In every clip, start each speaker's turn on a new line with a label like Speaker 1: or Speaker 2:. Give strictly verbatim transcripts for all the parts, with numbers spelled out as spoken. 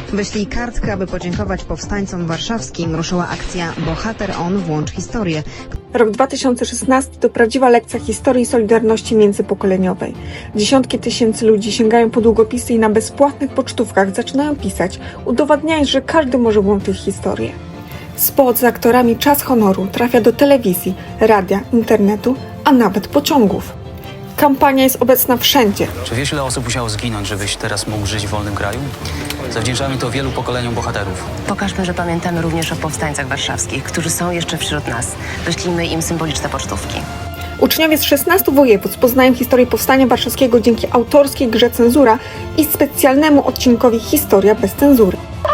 Speaker 1: Wyślij kartkę, aby podziękować powstańcom warszawskim. Ruszyła akcja Bohater On, włącz historię.
Speaker 2: Rok dwa tysiące szesnasty to prawdziwa lekcja historii i solidarności międzypokoleniowej. Dziesiątki tysięcy ludzi sięgają po długopisy i na bezpłatnych pocztówkach zaczynają pisać, udowadniając, że każdy może włączyć historię. Spot z aktorami Czas Honoru trafia do telewizji, radia, internetu, a nawet pociągów. Kampania jest obecna wszędzie.
Speaker 3: Czy wiesz, ile osób musiało zginąć, żebyś teraz mógł żyć w wolnym kraju? Zawdzięczamy to wielu pokoleniom bohaterów.
Speaker 4: Pokażmy, że pamiętamy również o powstańcach warszawskich, którzy są jeszcze wśród nas. Wyślijmy im symboliczne pocztówki.
Speaker 2: Uczniowie z szesnastu województw poznają historię Powstania Warszawskiego dzięki autorskiej grze Cenzura i specjalnemu odcinkowi Historia bez cenzury.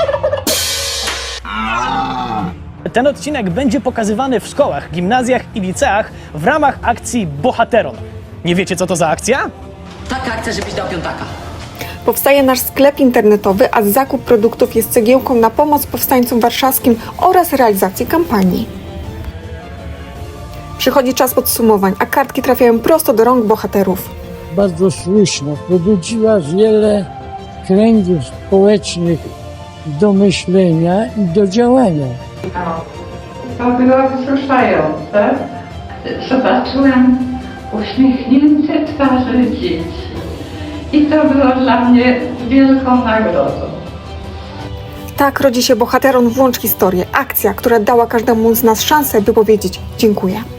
Speaker 5: Ten odcinek będzie pokazywany w szkołach, gimnazjach i liceach w ramach akcji Bohateron. Nie wiecie, co to za akcja?
Speaker 6: Taka akcja, żebyś dał piątaka.
Speaker 2: Powstaje nasz sklep internetowy, a zakup produktów jest cegiełką na pomoc powstańcom warszawskim oraz realizacji kampanii. Przychodzi czas podsumowań, a kartki trafiają prosto do rąk bohaterów.
Speaker 7: Bardzo słuszna, pobudziła wiele kręgów społecznych do myślenia i do działania.
Speaker 8: To było wzruszające. Zobaczyłam uśmiechnięte twarze dzieci. I to było dla mnie wielką nagrodą.
Speaker 2: Tak rodzi się Bohateron, włącz historię. Akcja, która dała każdemu z nas szansę, by powiedzieć dziękuję.